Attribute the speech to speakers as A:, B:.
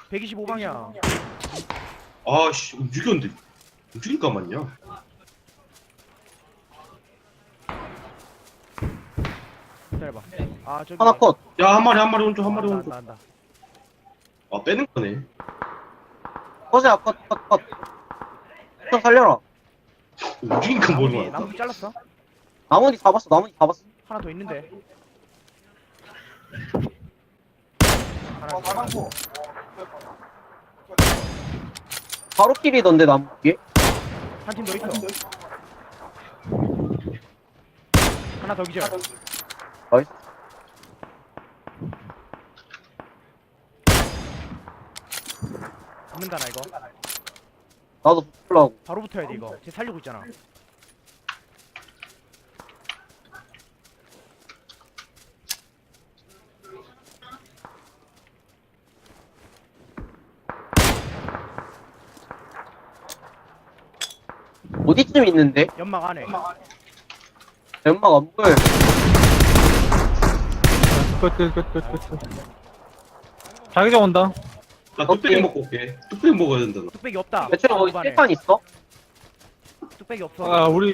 A: 125방향.
B: 아씨 움직였는데 움직일까 말냐.
A: 기다려봐. 아 저기.
C: 하나 컷.
B: 야 한 마리 오른쪽 한 마리
A: 한다
B: 오른쪽.
A: 한다.
B: 아 빼는 거네.
C: 컷이야, 컷. 좀 살려라.
B: 움직이니까 뭐는 거야.
A: 나무기 잘랐어?
C: 나머지 잡았어.
A: 하나 더 있는데. 하나
C: 어,
A: 더.
C: 바로 킬이던데, 나무 위에?
A: 한 팀 더 있어. 하나 더 기절.
C: 나이스.
A: 잡는다 나 이거.
C: 나도 붙으려고.
A: 바로 붙어야 돼 이거. 쟤 살리고 있잖아.
C: 어디쯤 있는데?
A: 연막 안에.
C: 연막 안 보여.
D: 끝. 자기장 온다.
B: 나 뚝배기
C: 오케이.
B: 먹고 올게. 뚝배기 먹어야 된다 너.
A: 뚝배기 없다.
C: 대충 거기
A: 뚝배기
C: 칠판 있어?
A: 뚝배기 없어.
D: 아, 우리